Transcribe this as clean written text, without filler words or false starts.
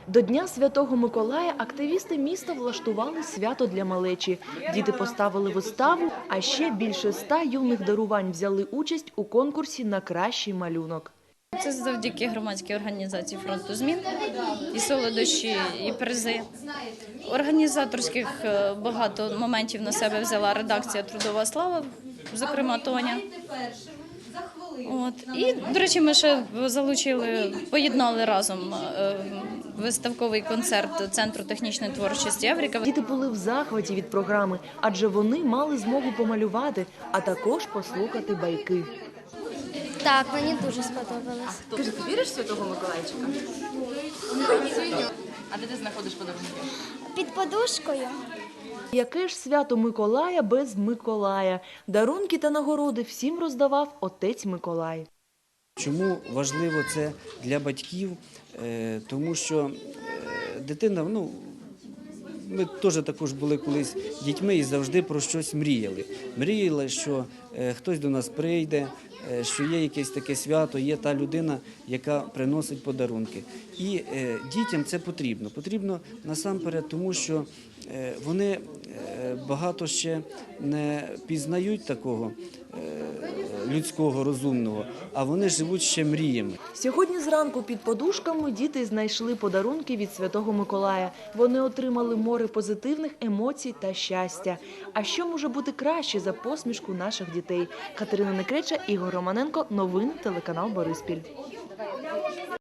До Дня Святого Миколая активісти міста влаштували свято для малечі. Діти поставили виставу, а ще більше 100 юних дарувань взяли участь у конкурсі на кращий малюнок. Це завдяки громадській організації «Фронту змін», і солодощі, і призи. Організаторських багато моментів на себе взяла редакція «Трудова слава», зокрема Тоня. І, до речі, ми ще поєднали разом виставковий концерт Центру технічної творчості «Еврика». Діти були в захваті від програми, адже вони мали змогу помалювати, а також послухати байки. Так, мені дуже сподобалось. Скажи, ти віриш в Святого Миколайчика? А де ти знаходиш подарунки? Під подушкою. Яке ж свято Миколая без Миколая? Дарунки та нагороди всім роздавав отець Миколай. Чому важливо це для батьків? Тому що дитина, ми теж також були колись дітьми і завжди про щось мріяли. Мріяли, що хтось до нас прийде, що є якесь таке свято, є та людина, яка приносить подарунки. І дітям це потрібно. Потрібно насамперед, тому що вони багато ще не пізнають такого людського, розумного, а вони живуть ще мріями. Сьогодні зранку під подушками діти знайшли подарунки від Святого Миколая. Вони отримали море позитивних емоцій та щастя. А що може бути краще за посмішку наших дітей? Катерина Некреча, Ігор Романенко. Новини телеканал Бориспіль.